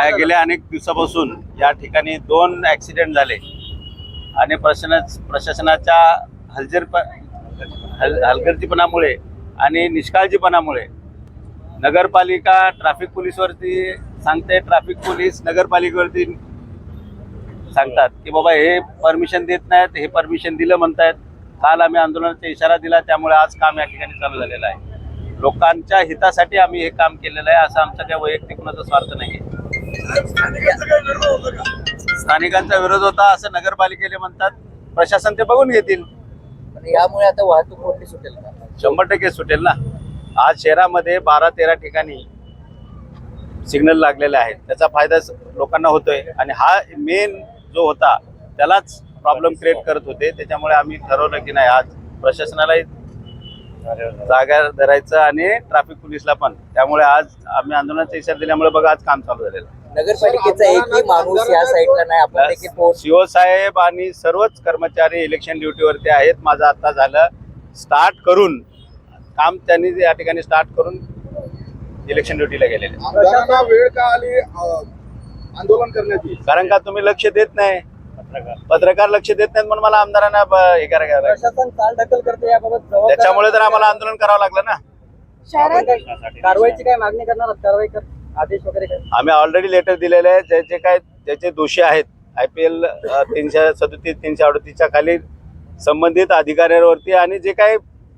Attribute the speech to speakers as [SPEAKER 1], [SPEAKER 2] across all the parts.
[SPEAKER 1] गेल्या अनेक दिवसापासून या ठिकाणी 2 ॲक्सिडेंट झाले आणि प्रशासनाच्या हलगर्जीपणामुळे आणि निष्काळजीपणामुळे नगरपालिका ट्रॅफिक पोलीसवरती सांगते, ट्रॅफिक पोलीस नगरपालिकेवरती सांगतात की बाबा हे परमिशन देत नाहीत, हे परमिशन दिलं म्हणतायत. काल आम्ही आंदोलनाचा इशारा दिला, त्यामुळे आज काम या ठिकाणी चालू झालेलं आहे. लोकांच्या हितासाठी आम्ही हे काम केलेलं आहे, असं आमचा काही वैयक्तिक कुणाचा स्वार्थ नाही आहे. स्थानिकांचा विरोध होता असं नगरपालिकेने म्हणतात, प्रशासन ते बघून घेतील.
[SPEAKER 2] यामुळे आता वाहतूक मोठी सुटेल का?
[SPEAKER 1] 100% सुटेल ना. आज शहरामध्ये 12-13 ठिकाणी सिग्नल लागलेले आहेत, त्याचा फायदा लोकांना होतोय आणि हा मेन जो होता त्यालाच प्रॉब्लेम क्रिएट करत होते. त्याच्यामुळे आम्ही ठरवलं की नाही, आज प्रशासनालाही जागा धरायचं आणि ट्रॅफिक पोलीसला पण. त्यामुळे आज आम्ही आंदोलनाचा इशारा दिल्यामुळे बघा आज काम चालू झालेलं आहे.
[SPEAKER 2] नगरपालिकेचा एकही माणूस या साईडला नाही. आपण देखील
[SPEAKER 1] सीओ साहेब आणि सर्वच कर्मचारी इलेक्शन ड्युटीवरती आहेत. माझं आता झालं स्टार्ट करून काम, त्यांनी या ठिकाणी स्टार्ट करून इलेक्शन ड्युटीला गेलेले.
[SPEAKER 3] वेळ का आली आंदोलन करण्याची?
[SPEAKER 1] कारण का तुम्ही लक्ष देत नाही, पत्रकार लक्ष देत नाहीत म्हणून मला आमदारांना हे करायला,
[SPEAKER 2] प्रशासन चालढकल करते याबाबत
[SPEAKER 1] त्याच्यामुळे तर आम्हाला आंदोलन करावं लागलं ना.
[SPEAKER 2] कारवाईची काय मागणी करणार? कारवाई कर आदेश वगैरे काय?
[SPEAKER 1] आम्ही ऑलरेडी लेटर दिलेले आहे. ज्याचे दोषी आहेत IPL 337 338च्या खाली संबंधित अधिकाऱ्यांवरती आणि जे काही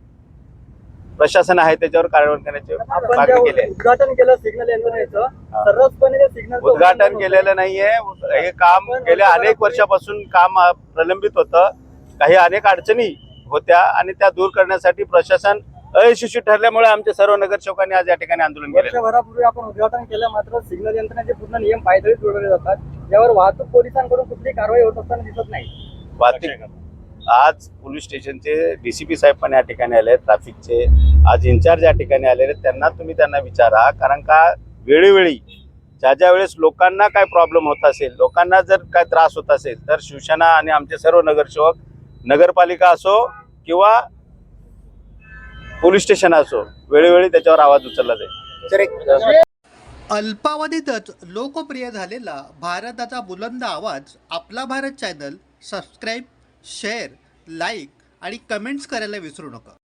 [SPEAKER 1] प्रशासन आहे त्याच्यावर कारवाई करण्याची मागणी केली आहे.
[SPEAKER 2] उद्घाटन केलं सिग्नल यंत्रणेचं, सर्वचपणे सिग्नल
[SPEAKER 1] उद्घाटन केलेलं नाहीये. हे काम गेल्या अनेक वर्षापासून काम प्रलंबित होतं. काही अनेक अडचणी होत्या आणि त्या दूर करण्यासाठी प्रशासन अयशस्वी ठरल्यामुळे आमच्या सर्व नगरसेवकांनी आज या ठिकाणी आंदोलन केलं.
[SPEAKER 2] वर्षभरापूर्वी आपण उद्घाटन केलं, मात्र सिग्नल यंत्रणेचे पूर्ण नियम पायदळी जोडले जातात. यावर वाहतूक पोलिसांकडून कुठली कारवाई होत असताना दिसत नाही.
[SPEAKER 1] वाहतूक आज पोलीस स्टेशनचे DCP साहेब पण या ठिकाणी आले, ट्रॅफिकचे आज इन्चार्ज या ठिकाणी आलेले. त्यांना विचारा, कारण का वेळोवेळी ज्या वेळेस लोकांना काय प्रॉब्लेम होत असेल, लोकांना जर काय त्रास होत असेल तर शिवसेना आणि आमचे सर्व नगरसेवक, नगरपालिका असो किंवा पोलीस स्टेशन असो, वेळोवेळी त्याच्यावर आवाज उचलला जाईल.
[SPEAKER 4] अल्पावधीतच लोकप्रिय झालेला भारताचा बुलंद आवाज आपला Bharat channel subscribe, share, like आणि कमेंट्स करायला विसरू नका.